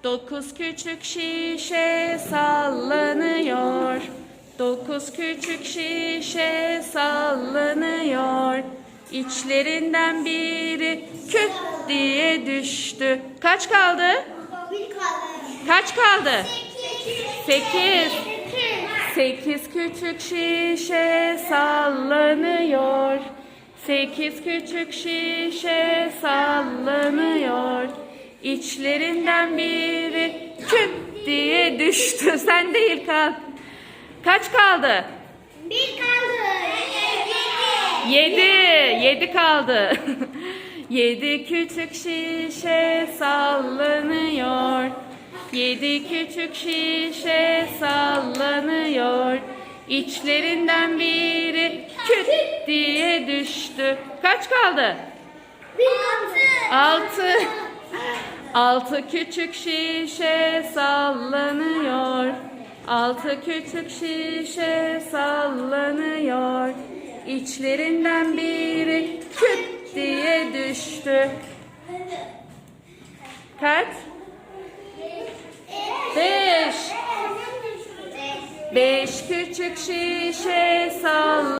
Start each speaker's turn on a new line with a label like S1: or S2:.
S1: Dokuz küçük şişe sallanıyor. Dokuz küçük şişe sallanıyor. İçlerinden biri küt diye düştü. Kaç kaldı?
S2: Bir kaldı.
S1: Kaç kaldı?
S2: 8.
S1: 8. 8 küçük şişe sallanıyor. 8 küçük şişe sallanıyor. İçlerinden biri küt diye düştü. Sen değil kal. Kaç kaldı?
S2: Bir kaldı.
S1: 7. 7 kaldı. 7 küçük şişe sallanıyor. 7 küçük şişe sallanıyor. İçlerinden biri küt diye düştü. Kaç kaldı?
S2: Bir kaldı.
S1: 6. 6 küçük şişe sallanıyor. 6 küçük şişe sallanıyor. İçlerinden biri küt diye düştü. Kaç? 5. 5 küçük şişe sallanıyor.